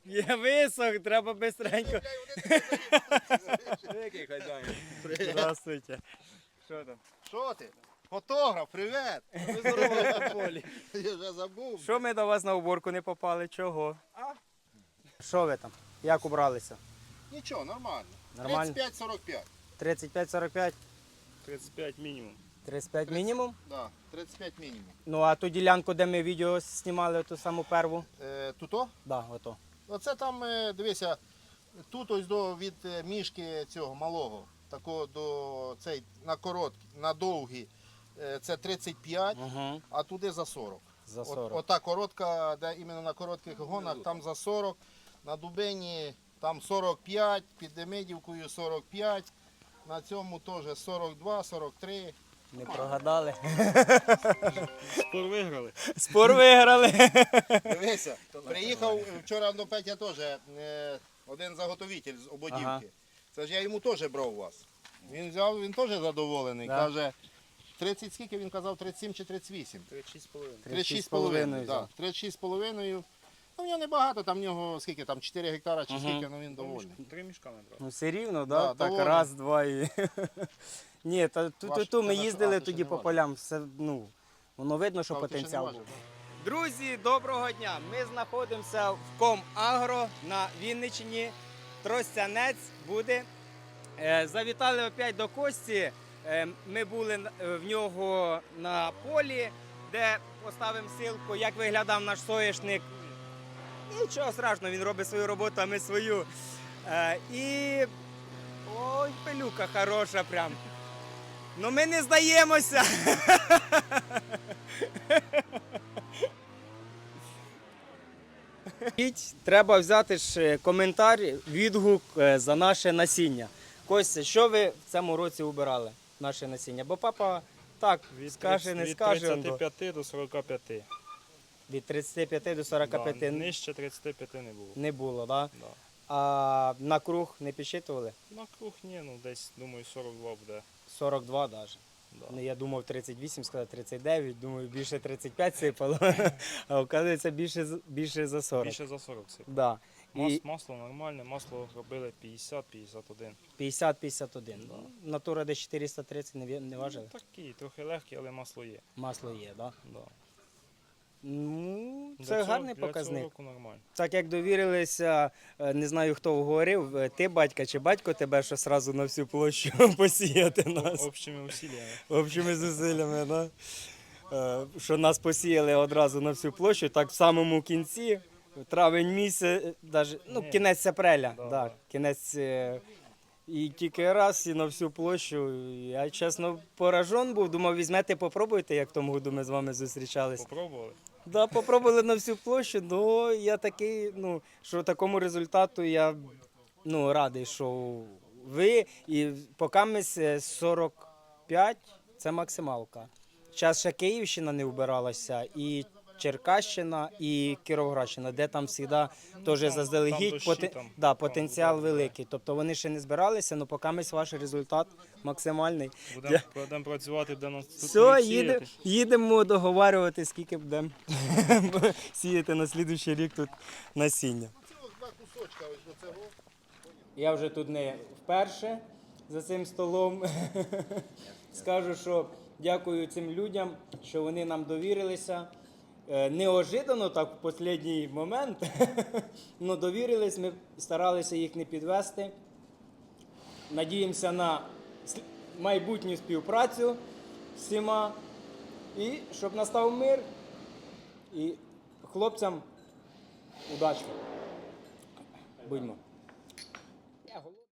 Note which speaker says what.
Speaker 1: Є висох, треба бистренько.
Speaker 2: Який хазяїн?
Speaker 1: Здравствуйте. Що там?
Speaker 3: Що ти? Фотограф, привіт!
Speaker 1: Ви здорові на полі.
Speaker 3: Я вже забув.
Speaker 1: Що ми до вас на уборку не попали? Чого? Що ви там? Як убралися?
Speaker 3: Нічого, нормально.
Speaker 1: Нормально?
Speaker 3: 35-45.
Speaker 1: 35-45?
Speaker 2: 35 мінімум.
Speaker 1: 35 мінімум?
Speaker 3: Да, 35 мінімум.
Speaker 1: Ну а ту ділянку, де ми відео знімали, ту саму перву?
Speaker 3: Туто?
Speaker 1: Да, ото.
Speaker 3: Оце там, дивися, тут ось від мішки цього малого, такого до цей на короткий, на довгий, це 35,
Speaker 1: Угу.
Speaker 3: а туди за 40.
Speaker 1: За 40.
Speaker 3: Ота коротка, де іменно на коротких гонах, там за 40, на дубині там 45, під Демидівкою 45, на цьому теж 42, 43.
Speaker 1: Не прогадали.
Speaker 2: Спор виграли.
Speaker 1: Спор виграли.
Speaker 3: Дивися, приїхав вчора до Петя теж один заготовитель з ободівки.
Speaker 1: Ага.
Speaker 3: Це ж я йому теж брав у вас. Він взяв, він теж задоволений.
Speaker 1: Да.
Speaker 3: Каже, 30 скільки він казав, 37 чи 38?
Speaker 2: 36,5.
Speaker 3: 36,5.
Speaker 1: взяв.
Speaker 3: Да, 36,5. Ну, в нього небагато, там в нього скільки, там 4 гектара чи
Speaker 1: Ага.
Speaker 3: скільки, ну він довольний.
Speaker 2: 3 мішка набрав.
Speaker 1: Ну все рівно,
Speaker 3: Да,
Speaker 1: да? Так
Speaker 3: доволі.
Speaker 1: раз, два і. Ні, ту ми
Speaker 3: Важко.
Speaker 1: їздили
Speaker 3: А, ти
Speaker 1: тоді
Speaker 3: ще не
Speaker 1: по
Speaker 3: важив.
Speaker 1: полям. Все, ну, воно видно, що
Speaker 3: А, ти ще не
Speaker 1: потенціал
Speaker 3: важив,
Speaker 1: був.
Speaker 3: да?
Speaker 1: Друзі, доброго дня! Ми знаходимося в Комагро на Вінниччині. Тростянець буде. Завітали опять до Кості. Ми були в нього на полі, де поставимо ссылку, як виглядав наш соняшник. Нічого страшного, він робить свою роботу, а ми свою. І ой, пилюка хороша прям. Ну ми не здаємося. Треба взяти ж коментар, відгук за наше насіння. Костя, що ви в цьому році убирали, наше насіння? Бо папа так скаже, не скаже.
Speaker 2: Від 35 до 45.
Speaker 1: Від 35 до 45
Speaker 2: Да, нижче 35 не було.
Speaker 1: не було, так?
Speaker 2: Да.
Speaker 1: А на круг не підсчитували?
Speaker 2: На круг ні, ну десь, думаю, 42 буде.
Speaker 1: 42 навіть.
Speaker 2: Да.
Speaker 1: Ну, я думав 38, сказав 39, думаю, більше 35 сипало, а оказується більше за 40.
Speaker 2: Більше за 40 сип.
Speaker 1: Да. І
Speaker 2: Масло нормальне, масло робили 50-51.
Speaker 1: 50-51. Натура десь 430 не важили?
Speaker 2: Ну, такі, трохи легкі, але масло є.
Speaker 1: Масло є, так?
Speaker 2: Да.
Speaker 1: Ну,
Speaker 2: Для
Speaker 1: це
Speaker 2: цього-
Speaker 1: гарний
Speaker 2: для
Speaker 1: показник.
Speaker 2: цього року нормально.
Speaker 1: Так як довірилися, не знаю хто говорив, ти батька чи батько тебе, що одразу на всю площу посіяти нас.
Speaker 2: Общими усилиями.
Speaker 1: Общими зусиллями, да? Що нас посіяли одразу на всю площу, так в самому кінці, травень місяць, даже, ну,
Speaker 2: Ні.
Speaker 1: кінець апреля,
Speaker 2: Да,
Speaker 1: да,
Speaker 2: да.
Speaker 1: кінець, і тільки раз і на всю площу. Я, чесно, поражен був, думав, візьмете, попробуйте, як в тому году ми з вами зустрічались.
Speaker 2: Попробували?
Speaker 1: Да, попробували на всю площу, ну я такий, ну, що такому результату я радий, що ви і поки ми 45 це максималка. Зараз ще Київщина не вбиралася, і Черкащина, і Кіровоградщина, де там завжди теж
Speaker 2: там
Speaker 1: заздалегідь
Speaker 2: дощі, там
Speaker 1: потенціал
Speaker 2: буде.
Speaker 1: великий. Тобто вони ще не збиралися, але поки ми ваш результат максимальний.
Speaker 2: Будемо працювати, де нас тут
Speaker 1: Все,
Speaker 2: будуть сіяти.
Speaker 1: їдемо договарювати, скільки будемо сіяти на слідуючий рік тут насіння.
Speaker 3: Цього два кусочка ось до цього.
Speaker 1: Я вже тут не вперше за цим столом. Скажу, що дякую цим людям, що вони нам довірилися. Неожиданно так в останній момент, але довірились, ми старалися їх не підвести. Надіємося на майбутню співпрацю з всіма. І щоб настав мир. І хлопцям удачі. Будьмо.